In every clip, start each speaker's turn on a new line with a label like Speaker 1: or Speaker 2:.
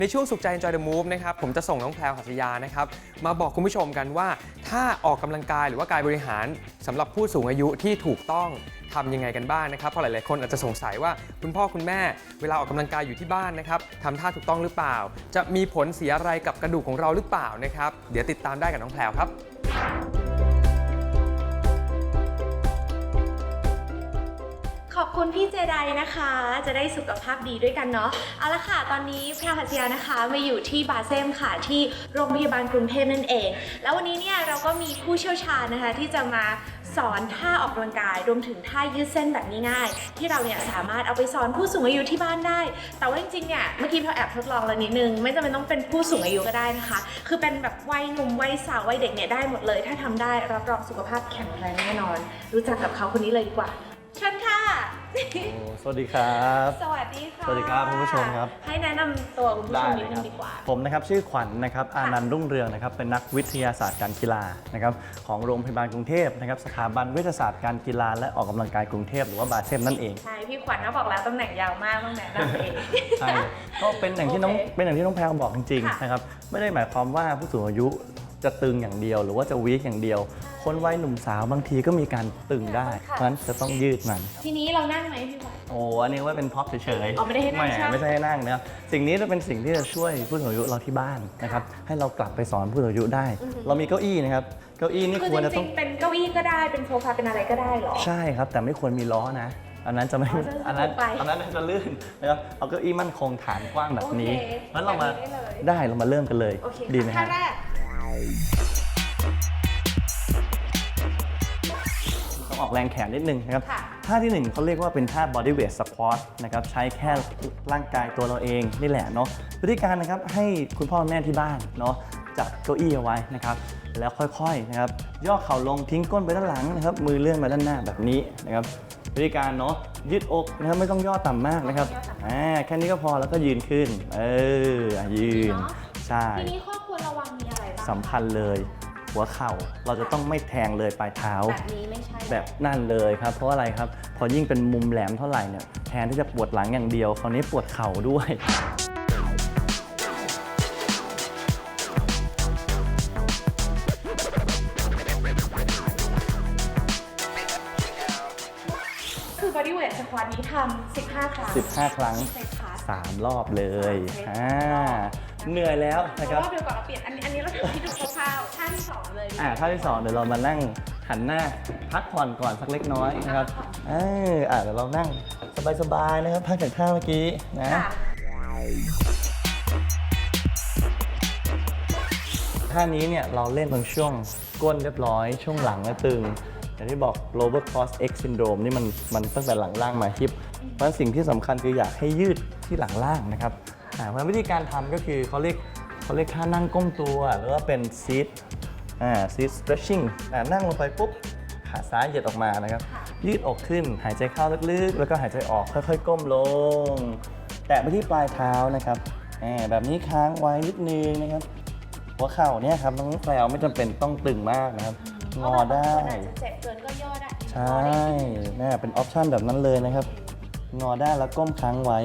Speaker 1: ในช่วงสุขใจ Enjoy the Move นะครับผมจะส่งน้องแพรวหัตถยานะครับมาบอกคุณผู้ชมกันว่าถ้าออกกำลังกายหรือว่ากายบริหารสำหรับผู้สูงอายุที่ถูกต้องทำยังไงกันบ้างนะครับเพราะหลายๆคนอาจจะสงสัยว่าคุณพ่อคุณแม่เวลาออกกำลังกายอยู่ที่บ้านนะครับทำท่าถูกต้องหรือเปล่าจะมีผลเสียอะไรกับกระดูกของเราหรือเปล่านะครับเดี๋ยวติดตามได้กับน้องแพรวครับ
Speaker 2: ขอบคุณพี่เจไดนะคะจะได้สุขภาพดีด้วยกันเนาะเอาละค่ะตอนนี้แพรวหัตถยานะคะมาอยู่ที่บาเซมค่ะที่โรงพยาบาลกรุงเทพนั่นเองแล้ววันนี้เนี่ยเราก็มีผู้เชี่ยวชาญนะคะที่จะมาสอนท่าออกกำลังกายรวมถึงท่ายืดเส้นแบบง่ายๆที่เราเนี่ยสามารถเอาไปสอนผู้สูงอายุที่บ้านได้แต่ว่าจริงๆเนี่ยเมื่อกี้แพรแอบทดลองแล้วนิดนึงไม่จำเป็นต้องเป็นผู้สูงอายุก็ได้นะคะคือเป็นแบบวัยหนุ่มวัยสาววัยเด็กเนี่ยได้หมดเลยถ้าทำได้รับรองสุขภาพแข็งแรงแน่นอนรู้จักกับเขาคนนี้เลยดีกว่าเชิญค่ะ
Speaker 3: สวัสดีครับ
Speaker 2: สวัสดีค่ะ
Speaker 3: สวัสดีครับคุณผู้ชมครับ
Speaker 2: ให้แนะนำตัวคุณผู้ชมนิดนึงดีกว่า
Speaker 3: ผมนะครับชื่อขวัญนะครับอานันต์รุ่งเรืองนะครับเป็นนักวิทยาศาสตร์การกีฬานะครับของโรงพยาบาลกรุงเทพนะครับสถาบันวิทยาศาสตร์การกีฬาและออกกำลังกายกรุงเทพหรือว่าบาเซมนั่นเอง
Speaker 2: ใช่พี่ขวัญก็บอกแล้วตำแหน่งยาวมากต้องแนะนำเอง
Speaker 3: ใช่ก็เป็นอย่างที่น้องเป็นอย่างที่น้องแพรบอกจริงๆนะครับไม่ได้หมายความว่าผู้สูงอายุจะตึงอย่างเดียวหรือว่าจะวีคอย่างเดียวคนวัยหนุ่มสาวบางทีก็มีการตึงได้เพราะฉะนั้นจะต้องยืดมัน
Speaker 2: ทีนี้เรานั่งไหมพี่ขวัญ
Speaker 3: โอ้อันนี้ว่าเป็นพ็อปเฉยๆ
Speaker 2: ไม่ได้ให้นั่งใช่ไหม
Speaker 3: ไม่ใช่ให้นั่งนะครับสิ่งนี้จะเป็นสิ่งที่จะช่วยผู้สูงอายุเราที่บ้านนะครับให้เรากลับไปสอนผู้สูงอายุได้เรามีเก้าอี้นะครับเก้าอี้นี่ควรจะต้อง
Speaker 2: เป็นเก้าอี้ก็ได้เป็นโซฟาเป็นอะไรก็ได้หรอ
Speaker 3: ใช่ครับแต่ไม่ควรมีล้อนะอันนั้นจะไม่อันนั้นจะลื่นนะครับเอาเก้าอี้มั่นคงฐานกว้างแบบนี้งั้นเรามาได้เรามาเริ่มกันเลยดีไหมครับต้องออกแรงแขนนิดนึงนะครับท่าที่1เขาเรียกว่าเป็นท่า body weight squat นะครับใช้แค่ร่างกายตัวเราเองนี่แหละเนาะวิธีการนะครับให้คุณพ่อแม่ที่บ้านเนาะจัดเก้าอี้เอาไว้นะครับแล้วค่อยๆนะครับย่อเข่าลงทิ้งก้นไปด้านหลังนะครับมือเลื่อนมาด้านหน้าแบบนี้นะครับวิธีการเนาะยืดอกนะครับไม่ต้องย่อต่ำมากนะครับแค่นี้ก็พอแล้วก็ยืนขึ้นยืนใช่
Speaker 2: ทีนี้ข้อควรระวังมีอะไรบ้าง
Speaker 3: สำคัญเลยหัวเข่าเราจะต้องไม่แทงเลยปลายเท้า
Speaker 2: แบบนี้ไม่ใช่
Speaker 3: แบบนั่นเลยครับเพราะอะไรครับพอยิ่งเป็นมุมแหลมเท่าไหร่เนี่ยแทนที่จะปวดหลังอย่างเดียวคราวนี้ปวดเข่าด้วย
Speaker 2: คือ body weight squat นี้ทำ15 ครั้ง
Speaker 3: 15 ครั้ง3 รอบเลยเหนื่อยแล้วนะครับ
Speaker 2: รอบเดียวก่อนเราเปลี่ยนอันนี้เราทำที่ดูคร่าวๆท่าที่2เลย
Speaker 3: ท่าที่2เดี๋ยวเรามานั่งหันหน้าพักผ่อนก่อนสักเล็กน้อยนะครับเดี๋ยวเรานั่งสบายๆนะครับพักจากท่าเมื่อกี้นะท่านี้เนี่ยเราเล่นตรงช่วงก้นเรียบร้อยช่วงหลังและตึงอย่างที่บอก lower cross X syndrome นี่มันตั้งแต่หลังล่างมาฮิปเพราะสิ่งที่สำคัญคืออยากให้ยืดที่หลังล่างนะครับเพราะวิธีการทำก็คือเขาเรียกท่านั่งก้มตัวหรือว่าเป็น sit stretching นั่งลงไปปุ๊บขาซ้ายเหยียดออกมานะครับยืดอกขึ้นหายใจเข้าลึกๆแล้วก็หายใจออกค่อยๆก้มลงแตะไปที่ปลายเท้านะครับแบบนี้ค้างไว้นิดนึงนะครับหัวเข่าเนี่ยครับน้องแพรวไม่จำเป็นต้องตึงมากนะครับงอได้
Speaker 2: เจ็บเกินก็ย่อได้
Speaker 3: ใช่เป็นออปชั่นแบบนั้นเลยนะครับงอได้แล้วก้มค้างไว้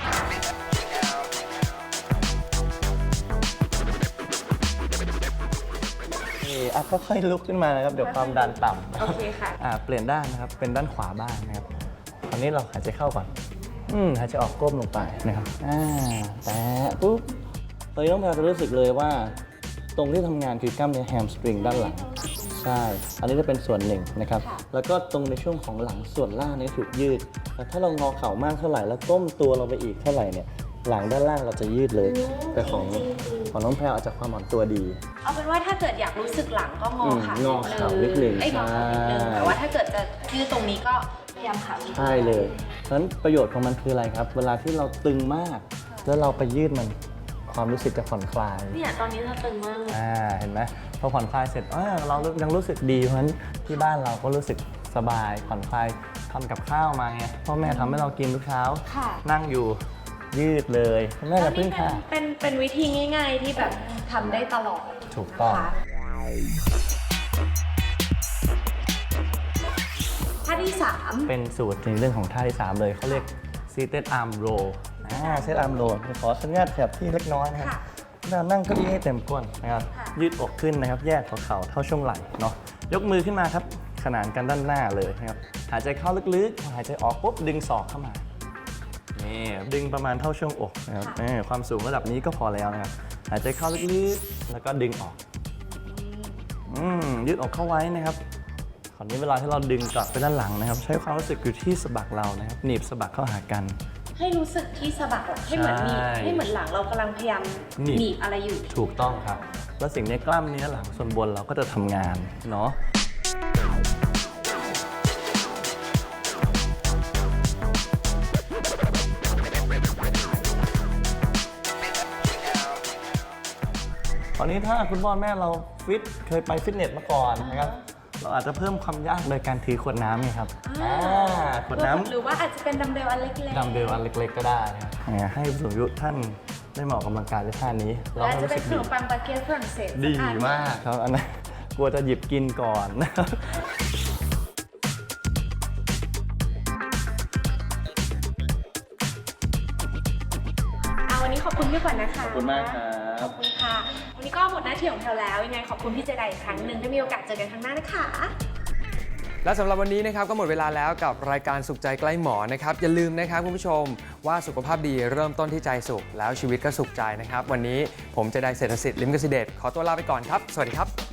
Speaker 3: ค่อยๆลุกขึ้นมานะครับเดี๋ยวความดันต่ำ
Speaker 2: โอเคค่ะ
Speaker 3: เปลี่ยนด้านนะครับเป็นด้านขวาบ้างนะครับตอนนี้เราหายใจเข้าก่อนหายใจออกก้มลงไปนะครับแตะปุ๊บตอนนี้น้องแพรจะรู้สึกเลยว่าตรงที่ทำงานคือกล้ามเนื้อแฮมสตริงด้านหลังใช่อันนี้จะเป็นส่วนหนึ่งนะครับแล้วก็ตรงในช่วงของหลังส่วนล่างนี้ถูกยืดแต่ถ้าเรางอเข่ามากเท่าไหร่แล้วก้มตัวเราไปอีกเท่าไหร่เนี่ยหลังด้านล่างเราจะยืดเลยแต่ของน้องแพรอาจจะความอ่อนตัวดี
Speaker 2: เอาเป็นว่าถ้าเกิดอยากรู้สึกหลังก็งอขา
Speaker 3: นิดนึง
Speaker 2: แต่ว่าถ้าเกิดจะยืดตรงนี้ก็พยายามขา
Speaker 3: ใช่เลยเพราะฉะนั้นประโยชน์ของมันคืออะไรครับเวลาที่เราตึงมากแล้วเราไปยืดมันความรู้สึกจะผ่อนคลาย
Speaker 2: เนี่ยตอนนี้เราตึงมาก
Speaker 3: เห็นไหมพอผ่อนคลายเสร็จเรายังรู้สึกดีเพราะฉะนั้นที่บ้านเราก็รู้สึกสบายผ่อนคลายทำกับข้าวมาไงพ่อแม่ทำให้เรากินทุกเช้านั่งอยู่ยืดเลยแม่จะพึ่งค่ะ
Speaker 2: เป็นวิธีง่ายๆที่แบบทำได้ตลอด
Speaker 3: ถูกต้อง
Speaker 2: ท่าที่3
Speaker 3: เป็นสูตรในเรื่องของท่าที่3เลยเขาเรียก seated arm row เซตอาร์มโหลดขออนุญาตขยับที่เล็กน้อยนะครับ
Speaker 2: ค่ะ
Speaker 3: เรานั่งเก้าอี้ให้เต็มก้นนะครับ
Speaker 2: ค่ะ
Speaker 3: ยืดอกขึ้นนะครับ แยกหัวเข่าเท่าช่วงไหล่เนาะ ยกมือขึ้นมาครับ ขนานกันด้านหน้าเลยนะครับ หายใจเข้าลึกๆ หายใจออกปุ๊บดึงศอกเข้ามา นี่ดึงประมาณเท่าช่วงอกนะครับความสูงระดับนี้ก็พอแล้วนะครับ หายใจเข้าลึกๆ แล้วก็ดึงออก ยืดอกเข้าไว้นะครับคราวนี้เวลาที่เราดึงกลับไปด้านหลังนะครับ ใช้ความรู้สึกอยู่ที่สะบักเรานะครับ หนีบสะบักเข้าหากัน
Speaker 2: ให้รู้สึกที่สะบักให้เหมือนหนีบ
Speaker 3: ใช่
Speaker 2: ให้เหมือนหลังเรากำลังพยายาม
Speaker 3: หนีบ
Speaker 2: หนีบอะไรอยู่
Speaker 3: ถูกต้องครับ แล้วสิ่งนี้กล้ามเนื้อหลังส่วนบนเราก็จะทำงานเนาะ ตอนนี้ถ้าคุณพ่อแม่เราเคยไปฟิตเนสมาก่อนนะครับ เราอาจจะเพิ่มความยากโดยการถือขวดน้ำไงครับขวดน้ำ
Speaker 2: หรือว่าอาจจะเป็นดัมเบลอันเล็กๆ
Speaker 3: ดัมเบลอันเล็กๆก็ได้นะครับให้ผู้สูงอายุท่านได้มาออกกำลังกายด้วยท่านี้
Speaker 2: และอาจจะเป็นขน
Speaker 3: ดี
Speaker 2: มปังบาเกตฝรั่งเศส
Speaker 3: ดี
Speaker 2: สัอัน
Speaker 3: มากครับอันนั้นกลัวจะหยิบกินก่อนนะครับ
Speaker 2: วันนี้ขอบคุณพี่ขวัญนะคะ
Speaker 3: ขอบคุณมากครับ
Speaker 2: ขอบคุณค่ะ วันนี้ก็หมดหน้าที่ของเราแล้ว ยังไงขอบคุณพี่เจไดอีกครั้งหนึ่งถ้ามีโอกาสเจอกันครั้งหน้านะคะ
Speaker 1: และสำหรับวันนี้นะครับก็หมดเวลาแล้วกับรายการสุขใจใกล้หมอนะครับอย่าลืมนะครับคุณผู้ชมว่าสุขภาพดีเริ่มต้นที่ใจสุขแล้วชีวิตก็สุขใจนะครับวันนี้ผมเจไดเศรษฐศิษย์ลิมกสิเดชขอตัวลาไปก่อนครับสวัสดีครับ